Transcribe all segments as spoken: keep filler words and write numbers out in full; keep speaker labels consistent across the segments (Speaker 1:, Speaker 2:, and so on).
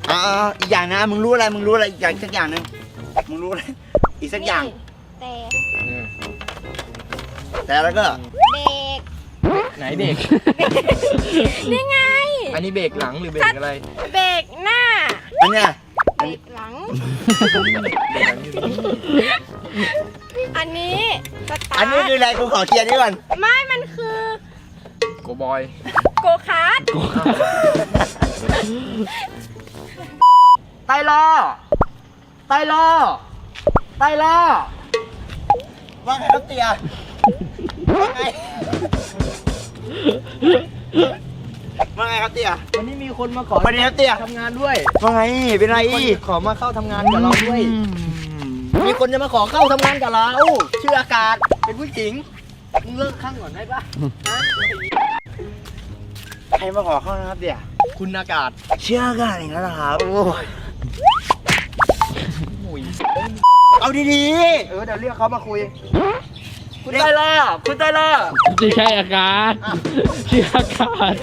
Speaker 1: อ่าอีกอย่างนะมึงรู้อะไรมึงรู้อะไรอีกอย่างสักอย่างหนึ่งมึงรู้อะไรอีกสักอย่าง
Speaker 2: แต่
Speaker 1: แต่แล้วก็
Speaker 2: เบรก
Speaker 3: ไหนเบรก
Speaker 2: นี่ไง
Speaker 3: อันนี้เบรกหลังหรือเบรกอะไร
Speaker 2: เบรกหน้า
Speaker 1: อันเนี้ย
Speaker 2: เบรกหลังอันนี้สตาร์ท
Speaker 1: อันนี้คืออะไรกูขอเคลียร์นี่ก่อน
Speaker 2: ไม่มันคือ
Speaker 3: โกบอย
Speaker 2: โกคาร์ท
Speaker 1: ไตล้อไตล้อไตล้อว่าไงครับเตียว่าไงว่าไงครับเตีย
Speaker 3: วันนี้มีคนมาขอ
Speaker 1: วันนี้ครับเตีย
Speaker 3: ทำงานด้วย
Speaker 1: ว่าไงเป็นไร
Speaker 3: ขอมาเข้าทำงานกับเราด้วยมีคนจะมาขอเข้าทำงานกับเราชื่ออากาศเป็นผู้หญิงมึงเลิกข้างก่อนได้ปะ
Speaker 1: ใครมาขอเข้านะครับเตีย
Speaker 3: คุณอากาศ
Speaker 1: เชื่ออากาศอย่างนั้นเหรอครับโอ้ยเอาดีๆเออเดี๋ยวเรียกเขามาคุยคุณไตล่าคุณไตล่า
Speaker 4: ไม่ใช่อากาศชื่ออากาศ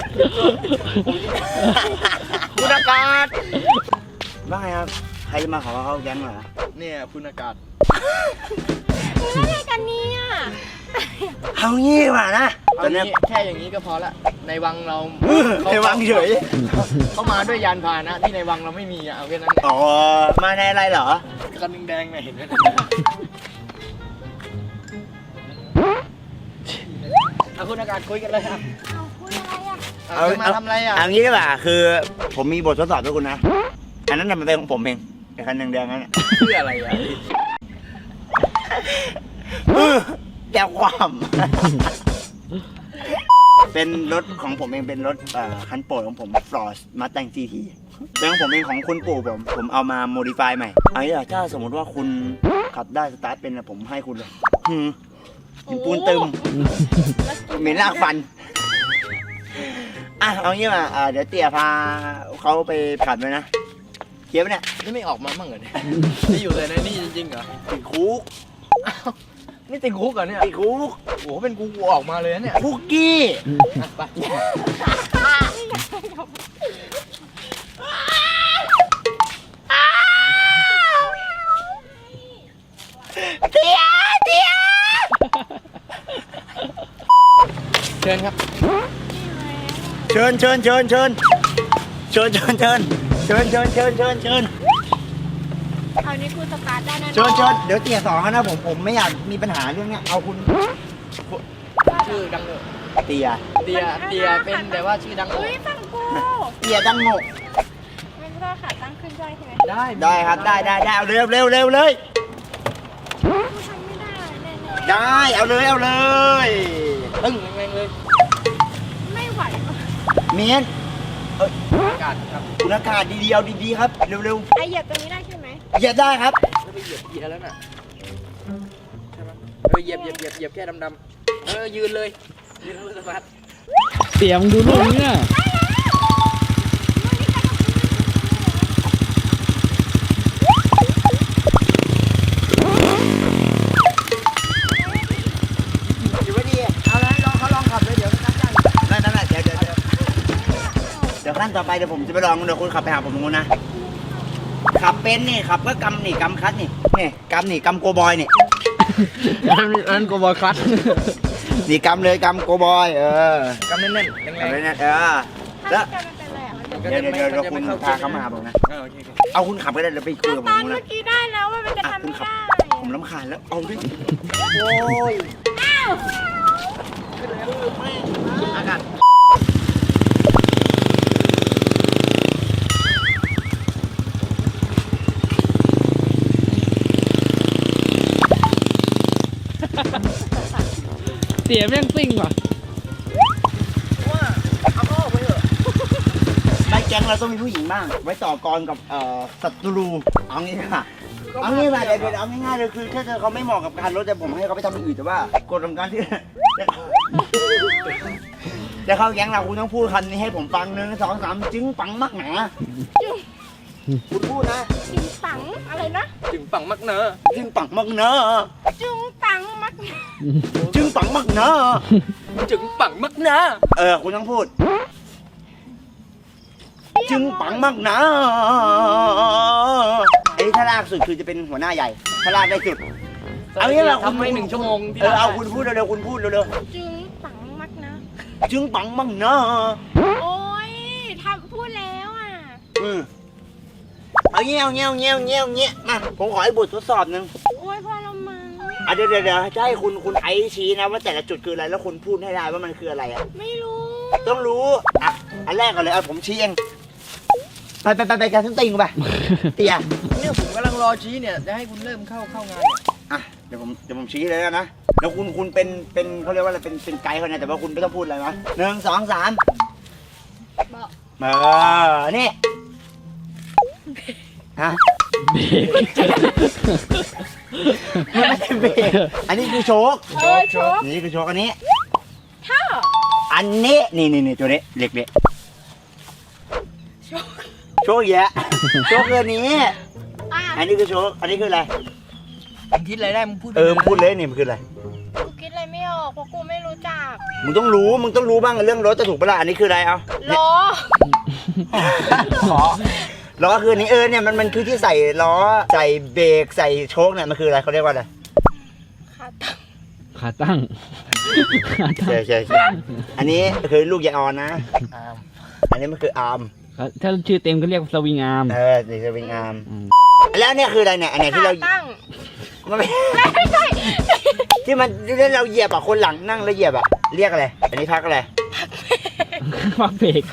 Speaker 1: คุณอากาศว่าไงครับใครจะมาขอเข้าแก๊งเหรอ
Speaker 3: เนี่ยคุณอากาศ
Speaker 2: อะไรกันเนี่ย
Speaker 1: เอางี้ดีกว่านะ
Speaker 3: ตอนนี้แค่อย่างนี้ก็พอละในวังเรา
Speaker 1: ในวังเฉย
Speaker 3: เขามาด้วยยานพาหนะที่ในวังเราไม่มีอ่ะเอาแค่นั้น
Speaker 1: อ๋อมาในอะไรเหรอ
Speaker 3: คันแดงๆเนี่ยเห็นไหมเอาคุณอากาศคุยกันเลยครับ
Speaker 2: เอาคุยอะไรอ่ะ
Speaker 3: เอามาทำอะไรอ่ะ
Speaker 1: เอางี้ดีกว่าคือผมมีบททดสอบด้วยคุณนะอันนั้นมันเป็นของผมเองไอ้คันแดงๆนั่น
Speaker 3: เพื่ออะไรอ่ะ
Speaker 1: แก้วความเป็นรถของผมเองเป็นรถคันโปรดของผมฟลอสมาแต่งจีทีเป็นของผมเองของคุณปู่ผมผมเอามาโมดิฟายใหม่เอางี้ถ้าสมมติว่าคุณขับได้สตาร์ทเป็นผมให้คุณเลยหืมหินปูนตึมเหม็นลากฟันอ่ะเอางี้มาเดี๋ยวเตี๋ยพาเขาไปผัดเลยนะเคี้ยวเนี่ย
Speaker 3: นี่ไม่ออกมาบ้างเหรอเนี่ยนี่อยู่เลยในนี่จริงๆเหรอ
Speaker 1: ติดคุก
Speaker 3: นี่ติดคุกเหรอเนี่ย
Speaker 1: ติดคุก
Speaker 3: โอ้โหเป็นกูกูออกมาเลยนะเนี่ย
Speaker 1: คุกกี้
Speaker 3: ไป
Speaker 1: เตี๋ยเตี๋ย
Speaker 3: เชิญครับ
Speaker 1: เชิญเชิญเชิญเชิญเชิญเชิญเชิญเชิญเชิญเชิญเชิญเชิญ
Speaker 2: เอานี้คุณสตาร์ทได้นะ
Speaker 1: เชิญเชิญเดี๋ยวเตี๋ยสองนะผมผมไม่อยากมีปัญหาเรื่องเนี้ยเอาคุณ
Speaker 3: ชื่อดังเลย
Speaker 1: เตี๋ย
Speaker 3: เตี๋ยเตี๋ยเป็นแต่ว่าชื่อดัง
Speaker 2: อุ้ยฟังกู
Speaker 1: เตี๋ยดังโง่
Speaker 2: ไม่ได้ขาตั้งขึ้นได้ใช่ไหม
Speaker 3: ได้
Speaker 1: ได้ครับได้ได้ได้เอาเร็วเร็วเร็วเลย
Speaker 2: กูทำไม่ได้แน่
Speaker 1: ๆได้เอาเลยเอาเลย
Speaker 3: ตึ้งแรงๆเลย
Speaker 2: ไม่ไหว
Speaker 1: เมียน
Speaker 3: อากาศครับ
Speaker 1: คุณอากาศดีๆเอาดีๆครับเร็ว
Speaker 2: ๆไอเหยียบตรงนี้ได้ใช่ไหม
Speaker 1: เหยียบได้ครับ
Speaker 3: แล้วไปเหยียบเกียร์แล้วน่ะใช่ไหมเออเหยียบเหยียบเหยียบเหยียบแค่ดำๆเออยืนเลยยืนเลยสมาร์ท
Speaker 4: เสียงดูนุ่มเนี่ย
Speaker 1: อยู่ไม่ดีเอาเลยลองเขาลองขับเลยเดี๋ยวนั่นนั่นนั่นเดี๋ยวเดี๋ยวเดี๋ยวขั้นต่อไปเดี๋ยวผมจะไปลองเดี๋ยวคุณขับไปหาผมตรงนู้นนะขับเป็นนี่ขับก็กำนี่กำคัดนี่นี่กำนี่กำโกบอยนี่
Speaker 3: นั่นโกบอยคัด
Speaker 1: นี่กำเลยกำโกบอยเอ
Speaker 3: อกำแน่นๆแรงๆ
Speaker 1: แน่นๆเออแล้วเดี๋ยวเดี๋ยวเดี๋ยวคุณพาเขามาหาผมนะเอาคุณขับก็ได้เดี๋ยวไปคุยกับผมนะ
Speaker 2: เมื่อกี้ได้แล้วว่ามันจะทำไม่ได้
Speaker 1: ผมรำคาญแล้วเอาดิโอ้ยอากาศ
Speaker 4: เตี๋ยแม่งซิ่งว่ะ
Speaker 3: ว่าเอาเข้าไปเถอะ
Speaker 1: ในแก๊งเราต้องมีผู้หญิงบ้างไว้ต่อกรกับเอ่อศัตรูเอางี้ค่ะเอางี้มาเดี๋ยวเอาง่ายๆเลยคือถ้าเธอเขาไม่เหมาะกับการรถแต่ผมให้เขาไปทำอย่างอื่นแต่ว่ากฎของการที่จะเข้าแก๊งเราคุณต้องพูดคำนี้ให้ผมฟังหนึ่งสองสามจึงปังมักหนาคุณพูดนะ
Speaker 2: จึงปังอะไรนะ
Speaker 3: จึงปังมักเนอะ
Speaker 1: จึงปังมักเนอะ
Speaker 2: จึงปังมัก
Speaker 1: จึงปังมักเนอะ
Speaker 3: จึงปังมักเนอะ
Speaker 1: เออคุณต้องพูดจึงปังมักเนอะากสุดคือจะเป็นหัวหน้าใหญ่ถ้าลากได้สุดเอางี้เรา
Speaker 3: ทำให้หนึ่งชั่วโมงที่
Speaker 1: เออเอาคุณพูดเร็วๆคุณพูดเร็ว
Speaker 2: จึงปังมากนะ
Speaker 1: ๆจึงปังมั่งเนาะ
Speaker 2: โอ้ยทำพูดแล้วอ่ะ
Speaker 1: อืมเอาเงี้ยเอาเงี้ยเอาเงี้ยเอาเงี้ยเอาเงี้ยมาผมขอให้บททดสอบหนึ่ง
Speaker 2: โอ้ยพอเรามั้ง
Speaker 1: อ่ะเดี๋ยวเดี๋ยวเดี๋ยวจะให้คุณคุณไอซ์ชี้นะว่าแต่ละจุดคืออะไรแล้วคุณพูดให้ได้ว่ามันคืออะไรอ่ะ
Speaker 2: ไม่รู้
Speaker 1: ต้องรู้อ่ะอันแรกก่อนเลยเอาผมชี้เองไปไปไปไปกันทั้งติงไปเตีย
Speaker 3: เนี่ยผมกำลังรอชี้เนี่ยจะให้คุณเริ่มเข้าเข้างาน
Speaker 1: อ่ะเดี๋ยวผมเดี๋ยวผมชี้เลยนะแล้วคุณคุณเป็นเป็นเขาเรียกว่าอะไรเป็นเป็นไกด์เขาเนี่ยแต่ว่าคุณไม่ต้องพูดอะไรนะหนึ่งสองสาม
Speaker 2: บอก
Speaker 1: เออนี่ฮะ
Speaker 4: เบรก
Speaker 1: มันไม่ใช่เบรกอันนี้คือโชค
Speaker 2: เออชก
Speaker 1: นี่คือโชคอันนี้
Speaker 2: ท่า
Speaker 1: อันนี้นี่นี่นี่ตัวนี้เด็กเด็ก
Speaker 2: ชก
Speaker 1: โชคแยะโชคคืออันนี้
Speaker 2: อ่ะ
Speaker 1: อันนี้คือโชคอันนี้คืออะไร
Speaker 3: มึงคิดอะไรได้มึงพูด
Speaker 1: เออมึงพูดเลยนี่มันคืออะไร
Speaker 2: กูคิดอะไรไม่ออกเพราะกูไม่รู้จัก
Speaker 1: มึงต้องรู้มึงต้องรู้บ้างเรื่องรถจะถูกปะล่ะอันนี้คืออะไรเอา
Speaker 2: ล้อ
Speaker 1: ล้อล้อคืออันนี้เออเนี่ยมันมันคือที่ใส่ล้อใส่เบรกใส่โชคเนี่ยมันคืออะไรเขาเรียกว่าอะไร
Speaker 2: ขาตั้ง
Speaker 4: ขาตั้งขาตั้ง
Speaker 1: ใช่ใช่ใช่อันนี้คือลูกยายออนนะ
Speaker 3: อ่า
Speaker 1: อันนี้มันคืออาร์ม
Speaker 4: ถ้าชื่อเต็มก็เรียกสวิงอาร์ม
Speaker 1: เออนี่คือเป็นอาร์ม
Speaker 4: อืม
Speaker 1: แล้วเนี่ยคืออะไรเนี่ยอันไหนที่
Speaker 2: ขา
Speaker 1: เรา
Speaker 2: ตั้ง
Speaker 1: มันไม่
Speaker 2: ไม่ใช่
Speaker 1: ที่มันที่เราเหยียบอ่ะคนหลังนั่งแล้วเหยียบอ่ะเรียกอะไรอันนี้พักอะไร
Speaker 4: พักเบรก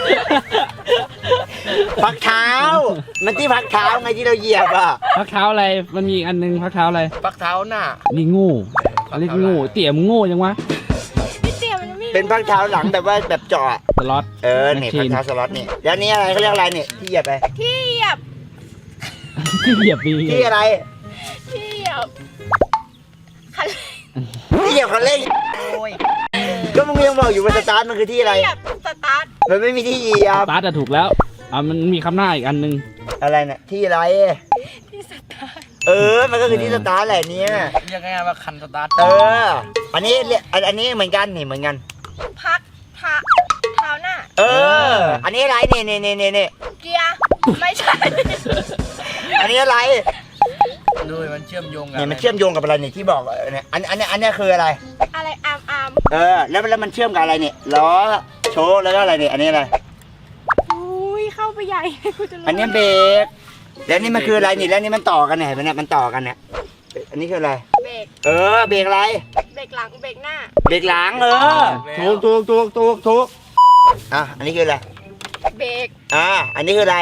Speaker 1: พักเท้า มันที่พักเท้าไงที่เราเหยียบอ่ะ
Speaker 4: พักเท้าอะไรมันมีอีกอันนึงพักเท้าอะไร
Speaker 3: ปักเท้าหน้า
Speaker 4: นี่โง่เรียกโง่เตี่ยมงโง่ยังวะ
Speaker 2: พี่เตี๋ยมันไม่รู้
Speaker 1: เป็นพักเท้าหลังแบบว่าแบบเจาะ
Speaker 4: สล็อต
Speaker 1: เออนี่พักเท้าสล็อตนี่แล้วนี่อะไรเขาเรียกอะไรเนี่ยที่เหยียบไป
Speaker 2: ที่เหยียบ
Speaker 4: ที่เหยียบมี
Speaker 1: ที่อะไร
Speaker 2: ที่เหยียบคัน
Speaker 1: ที่เหยียบคันเร่ง
Speaker 3: โอ้ย
Speaker 1: ก็มึงยังบอกอยู่ว่าสตาร์ทมันคือที่อะไร
Speaker 2: เหยียบสตาร์ท
Speaker 1: มันไม่มีที่เหยียบ
Speaker 4: สตาร์ทอะถูกแล้วอ่ะมันมีคำหน้าอีกอันนึง
Speaker 1: อะไรเนี่ยที่อะไร
Speaker 2: ที่สตาร์ท
Speaker 1: เออ มันก็คือที่สตาร์ทแหละเนี่ย
Speaker 3: เรียกง่ายๆว่าคันสตาร์ท
Speaker 1: เออ อันนี้เรียกอันอันนี้เหมือนกันนี่เหมือนกัน
Speaker 2: พักเท้าเท้าหน้า
Speaker 1: เออ อันนี้อะไรเนี่ยเนี่ยเนี่ยเนี่ย
Speaker 2: เกียร์ไม่ใช่
Speaker 1: อันนี้อะไร
Speaker 3: ดูมันเชื่อมโยงกัน
Speaker 1: เนี่ยมันเชื่อมโยงกับอะไรเนี่ยที่บอกเนี่ยอันอันเนี้ยอันเนี้ยคืออะไร
Speaker 2: อะไรอามอาม
Speaker 1: เออ แล้วแล้วมันเชื่อมกับอะไรเนี่ยล้อโชว์แล้วก็อะไรเนี่ยอันนี้อะไร
Speaker 2: อุ้ยเข้าไปใหญ่กูจะรู้
Speaker 1: อันนี้เบรกแล้วนี่มันคืออะไรนี่แล้วนี่มันต่อกันเนี่ยเห็นไหมเนี่ยมันต่อกันเนี่ยอันนี้คืออะไร
Speaker 2: เบรก
Speaker 1: เออเบรกอะไร
Speaker 2: เบรกหลังเบรกหน้า
Speaker 1: เบรกหลังเออถูกถูกถูกถูกถูกอ่ะอันนี้คืออะไร
Speaker 2: เบรก
Speaker 1: อ่าอันนี้คืออะไร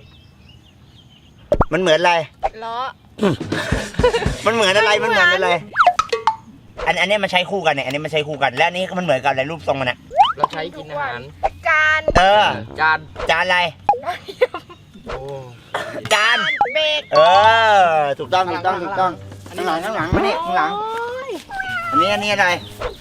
Speaker 1: มันเหมือนอะไร
Speaker 2: ล้อ
Speaker 1: มันเหมือนอะไร
Speaker 2: ไม่
Speaker 1: มัน
Speaker 2: เห
Speaker 1: เห
Speaker 2: มื
Speaker 1: มื
Speaker 2: อ
Speaker 1: อน นอะไร อันอันนี้มันใช้คู่กันเนี่ย อันนี้มันใช้คู่กัน และอันนี้มันเหมือนกันอะไรรูปทรงมันเนี่ย
Speaker 3: เราใช้กินอาหาร
Speaker 2: การ
Speaker 1: เออ
Speaker 3: จาน
Speaker 1: จานอะไร
Speaker 3: โอ้
Speaker 1: จาน
Speaker 2: เบรก
Speaker 1: เออ ถูกต้อง ถูกต้อง ถูกต้อง ข้างหลัง ข้างหลังมานี่ข้างหลัง
Speaker 2: โอ้ย
Speaker 1: อันนี้ อันนี้อะไร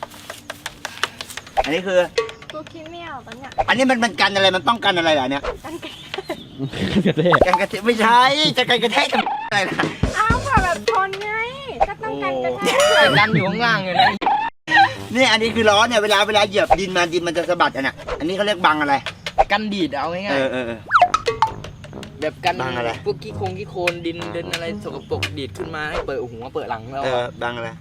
Speaker 1: อันนี้คือ
Speaker 2: กูคิดไม่ออกตอนเนี้ย
Speaker 1: อันนี้มันมันกันอะไร มันป้องกันอะไรเหรอเนี่ย
Speaker 2: กันไกล
Speaker 4: กระเทก
Speaker 1: กันกระแทกไม่ใช่ จะกันกระแทกทำอะไรล่ะ
Speaker 2: อ้าวเผื่อแบบชนไงก็ต้องกันกระแทก
Speaker 3: ดันอยู่ข้างล่างเลยนะ
Speaker 1: นี่อันนี้คือล้อเนี่ย เวลาเวลาเหยียบดินมาดินมันจะสะบัดอ่ะเนี่ยอันนี้เขาเรียกบังอะไร
Speaker 3: กันดีดเอาง่า
Speaker 1: เอย อเออเออ
Speaker 3: ๆแบบกัน
Speaker 1: บังอะไร
Speaker 3: พวกขี้โคงขี้โคลนดินเดินอะไรสกปรกดีดขึ้นมาให้เปิดหัวเปิดหลังแล้ว
Speaker 1: เออ บังอะไร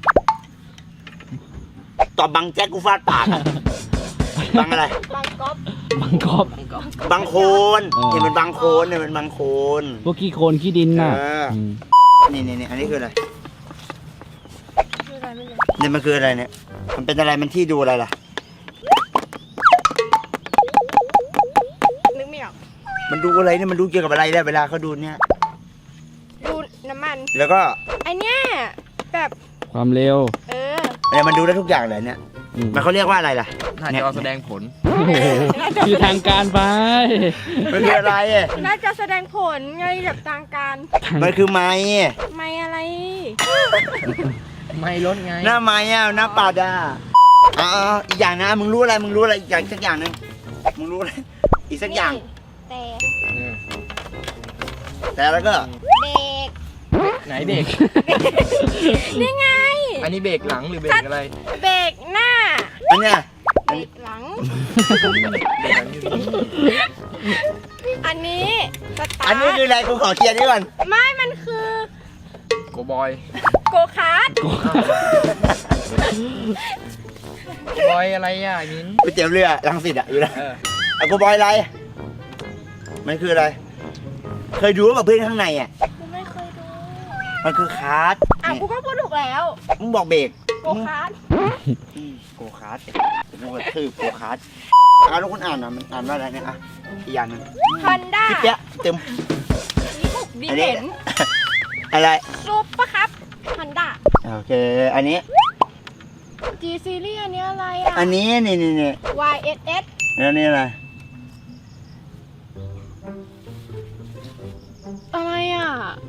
Speaker 1: ตอบบังแจ็คกูฟาดปากอะบังอะไร
Speaker 2: บางก๊อฟ
Speaker 4: บังกอบ
Speaker 3: บังก็
Speaker 1: บางโคน
Speaker 4: เออ
Speaker 1: เห็นมันบางโคนเนี่ยมันบางโคน
Speaker 4: พวกขี้โคลนขี้ดินน่ะ
Speaker 1: เอออื
Speaker 4: ม
Speaker 1: นี่นี่นี่อันนี้คืออะไร
Speaker 2: คืออะไรไม่รู้
Speaker 1: เนี่ยมันคืออะไรเนี่ย มันเป็นอะไรมันที่ดูอะไรล่ะ
Speaker 2: นึกไม่ออก
Speaker 1: มันดูอะไรเนี่ยมันดูเกี่ยวกับอะไรเนี่ยเวลาเขาดูเนี่ย
Speaker 2: ดูน้ำมัน
Speaker 1: แล้วก็
Speaker 2: ไอเนี้ยแบบ
Speaker 4: ความเร็ว
Speaker 2: เออ
Speaker 1: เนี่ยมันดูได้ทุกอย่างเลยเนี่ย
Speaker 4: อืม
Speaker 1: มันเขาเรียกว่าอะไรล่ะ
Speaker 3: น่าจะเอาแสดงผล
Speaker 4: โอ้โหคือทางการไป
Speaker 1: มันคืออะไรอะ
Speaker 2: น่าจะแสดงผลไงแบบทางการ
Speaker 1: มันคือไม้
Speaker 2: ไม่อะไร
Speaker 3: ไม่ลดไง
Speaker 1: หน้าไม้อะหน้าปัดอะอ๋ออีกอย่างนะมึงรู้อะไรมึงรู้อะไรอีกอย่างสักอย่างหนึงมึงรู้อะไรอีกสักอย่าง
Speaker 2: แต่
Speaker 1: แต่แล้วก็
Speaker 2: เบรก
Speaker 3: ไหนเบรก
Speaker 2: นี่ไง
Speaker 3: อันนี้เบรกหลังหรือเบรกอะไร
Speaker 2: เบรกหน้า
Speaker 1: อันเนี้ย
Speaker 2: เบรกหลัง
Speaker 3: เบรกหลังอยู่นี่
Speaker 2: พี่อันนี้สตาร์ท
Speaker 1: อันนี้คืออะไรกูขอเคลียร์นี่ก่อน
Speaker 2: ไม่ มันคือ
Speaker 3: โกบอย
Speaker 2: โกคาร์ด
Speaker 3: โกบอยอะไรอ่ะมิ้น
Speaker 1: ไปเตี๋ยวเรือรังสิตอะอยู่นะ
Speaker 3: เออ
Speaker 1: อะกูบอยอะไร มันคืออะไร เคยดูว่าแบบเพื่อนข้างในอะ
Speaker 2: กูไม่เคยดู
Speaker 1: มันคือคาร์ด
Speaker 2: อ่ะ
Speaker 1: นี่
Speaker 2: กูก็พูดถูกแล้ว
Speaker 1: มึงบอกเบรก
Speaker 2: โกคาร์ด
Speaker 1: อืมโกคาร์ดกูกระทืบโกคาร์ดอ่ะแล้วคุณอ่านอ่ะมันอ่านว่าอะไรเนี่ยอ่ะอีกอย่างหนึง
Speaker 2: ฮอนด้า
Speaker 1: คลิปเนี้ยเต็ม
Speaker 2: นี่บุกดี
Speaker 1: อันนี้
Speaker 2: เห็น
Speaker 1: อะไร
Speaker 2: ซุปปะครับฮอนด้า
Speaker 1: โอเค อันนี้
Speaker 2: G ซีรีส์อันนี้อะไรอ่ะ
Speaker 1: อันนี้นี่นี่นี่
Speaker 2: Y S S
Speaker 1: แล้วนี่อะไร
Speaker 2: อะไรอ่ะ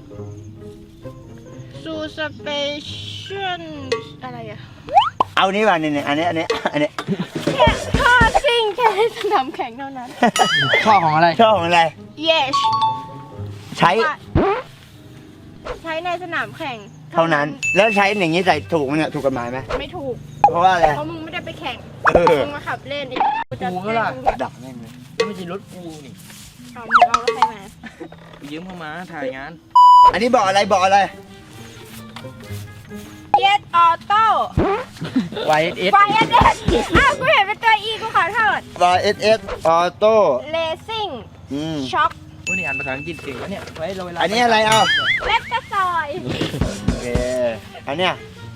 Speaker 2: ซูสเปเชียลอะไรอ่ะ
Speaker 1: เอานี่ป่ะนี่นี่อันนี้อันนี้อันนี้
Speaker 2: แค่ท่อซิ่งแค่ในสนามแข่งเท่านั้น
Speaker 3: ข้อของอะไร
Speaker 1: ชอบของอะไร
Speaker 2: Yes
Speaker 1: ใช้
Speaker 2: ใช้ในสนามแข่ง
Speaker 1: เท่านั้น แล้วใช้อย่างนี้ใส่ถูกไหมเนี่ยถูกกฎหมายไหม
Speaker 2: ไม่ถูก
Speaker 1: เพราะว่าอะไร
Speaker 2: เพราะมึงไม่ได้ไปแข่ง
Speaker 1: เออ
Speaker 2: มึงมาขับเล่นไอ้กูจะ
Speaker 3: กูก็ล่ะ
Speaker 2: แจ้ง
Speaker 1: ดักแม่งเลย
Speaker 3: ไม่ใช่รถกูนี่
Speaker 2: เอามึงเอารถใครมา
Speaker 3: ยืมเข้ามาถ่ายงาน
Speaker 1: อันนี้บอกอะไรบอกอะไร
Speaker 2: Yes Auto
Speaker 3: Y S S
Speaker 2: Y S S อ้าวกูเห็นเป็นตัว E กูขอโทษ
Speaker 1: Y S S Auto
Speaker 2: Racing
Speaker 1: อืม
Speaker 2: Shock
Speaker 3: วันนี้อ่านภาษาอังกฤษเก่งแล้วเนี่ยไว้เราเวลา
Speaker 1: อันนี้อะไรเอา
Speaker 2: เล็บกระซอย
Speaker 1: โอเค อันเนี้ย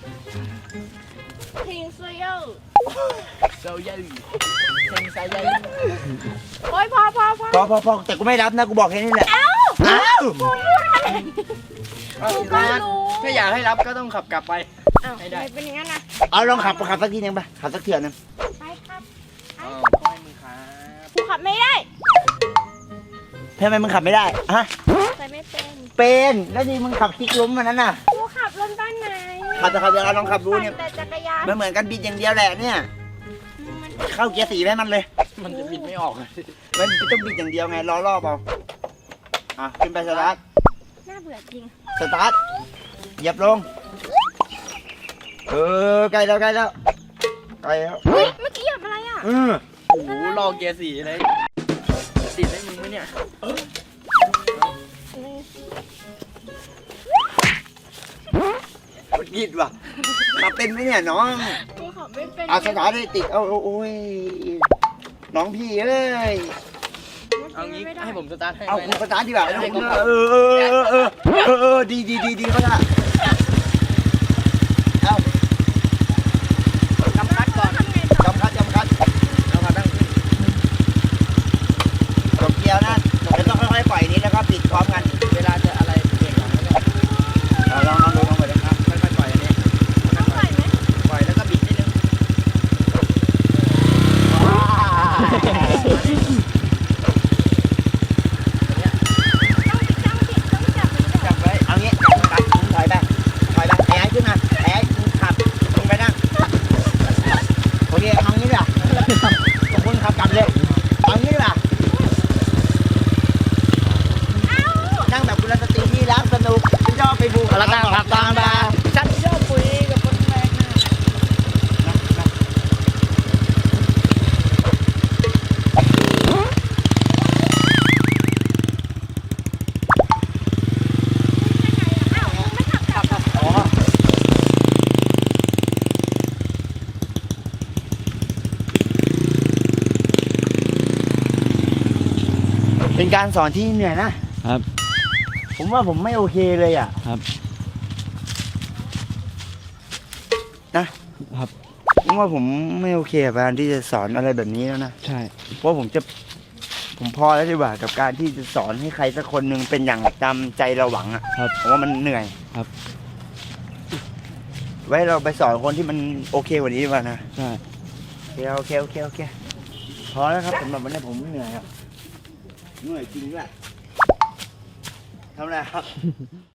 Speaker 2: ทิงซูโย
Speaker 3: เซลยัยเซนไซยัย
Speaker 2: โอ้ยพอพอพอ
Speaker 1: พอพอพอแต่กูไม่รับนะกูบอกแค่นี้แหละ
Speaker 2: เอ้า
Speaker 1: อ้าว
Speaker 2: กูพูดอะไรกูก็รู้
Speaker 3: ถ้าอยากให้รับก็ต้องขับกลับไป
Speaker 2: อ้าว
Speaker 3: ไม่ได้
Speaker 2: ทำเป็นอย่างนั้นนะ
Speaker 1: เอาลองขับขับสักทีนึงไปขับสักเถื่อนนึง
Speaker 2: ไปครับ
Speaker 3: อ้าวขอให้มึงครับ
Speaker 2: กูขับไม่ได้
Speaker 1: ทำไมมึงขับไม่ได้ฮะ
Speaker 2: ใส่ไม่เป็น
Speaker 1: เป็นแล้วนี่มึงขับคลิกล้มมันนั้นน่ะ
Speaker 2: กูขับรถบ้านไหน
Speaker 1: ขับแต่ขับเดี๋ยวเราลองขับดูเนี่ย
Speaker 2: ปั่แต่จักรยาน
Speaker 1: มันเหมือนกันบิดอย่างเดียวแหละเนี่ย
Speaker 2: มัน
Speaker 1: เข้าเกียร์สี่ให้มันเลย
Speaker 3: มันจะบิดไม่ออกเลย
Speaker 1: มันต้องบิดอย่างเดียวไงล้อรอบเอาอ่ะขึ้นไปสตาร์ท
Speaker 2: น่าเบื่อจริง
Speaker 1: สตาร์ทเหยียบลงเออใกล้แล้วใกล้แล้วใกล้แล้ว
Speaker 2: เฮ้ยเมื่อกี้เหยียบอะไรอ่ะ
Speaker 1: เออ
Speaker 3: โอ้โหลอกเกียร์สี่เลยจะติดได้มึงไหมเนี่ย
Speaker 1: มันบิดว่ะขับเป็นไหมเนี่ยน้อง
Speaker 2: กูขับไม่เป็น
Speaker 1: เอาสตาร์ทให้ติดเอาเอาโอ้ยน้องพี่เอ้ย
Speaker 3: เอางี้ให้ผมสตาร์ทให้
Speaker 1: เอา
Speaker 3: ไหม
Speaker 1: คุณสตาร์ทดีกว่าเออเออเออเออเออเออดีดีดีดีเขาละเอา
Speaker 3: กำคัดก่อน
Speaker 2: ทำไงต่อ
Speaker 1: จำคัดจำคัด
Speaker 3: แล้วก็ตั้งขึ้น
Speaker 1: กดเกียร์นะแล้วต้องค่อยๆปล่อยนี้แล้วก็ปิดพร้อมกัน
Speaker 3: เวลาจะอะไรเบรกก่อนแล้วก็
Speaker 1: เอาลองลองดูลองไปเลยครับ
Speaker 3: ค่อยๆปล่อยอันนี้
Speaker 2: ต้องปล่อยไหม
Speaker 3: ปล่อยแล้วก็บิดนิดนึง
Speaker 2: ต้องต้องผิดต้องจับมันด้วย
Speaker 1: จับไว้เอางี้จับมันมึงถอยไปถอยไปไอ้ไอ้ขึ้นมาไอ้ไอ้มึงขับมึงไปนั่งโอเคเอางี้ดีกว่ามึงขับกลับเลยเอางี้ดีกว่า
Speaker 2: เอ้า
Speaker 1: นั่งแบบกุลสตรีที่รักสนุกที่ชอบไปบู
Speaker 3: แล้วก็ขับตามมาฉันชอบคุยกับคนแปลกหน้า
Speaker 2: เอ้าไม่ขับกลับเหรอ
Speaker 1: อ๋อเป็นการสอนที่เหนื่อยนะครับ ผมว่าผมไม่โอเคเลยอ่ะ
Speaker 4: ครับ
Speaker 1: นะครับ ผมว่าผมไม่โอเคกับการที่จะสอนอะไรแบบนี้แล้วนะ
Speaker 4: ใช่
Speaker 1: เพราะผมจะผมพอแล้วดีกว่ากับการที่จะสอนให้ใครสักคนหนึ่งเป็นอย่างจำใจเราหวังอ่ะ
Speaker 4: ครับ
Speaker 1: ผมว่ามันเหนื่อย
Speaker 4: ครับ
Speaker 1: ไว้เราไปสอนคนที่มันโอเคกว่านี้ดีกว่านะ
Speaker 4: ใช่
Speaker 1: โอเคโอเคโอเคโอเคพอแล้วครับสำหรับวันนี้ผมเหนื่อยครับเหนื่อยจริงด้วยทำอะไรครับ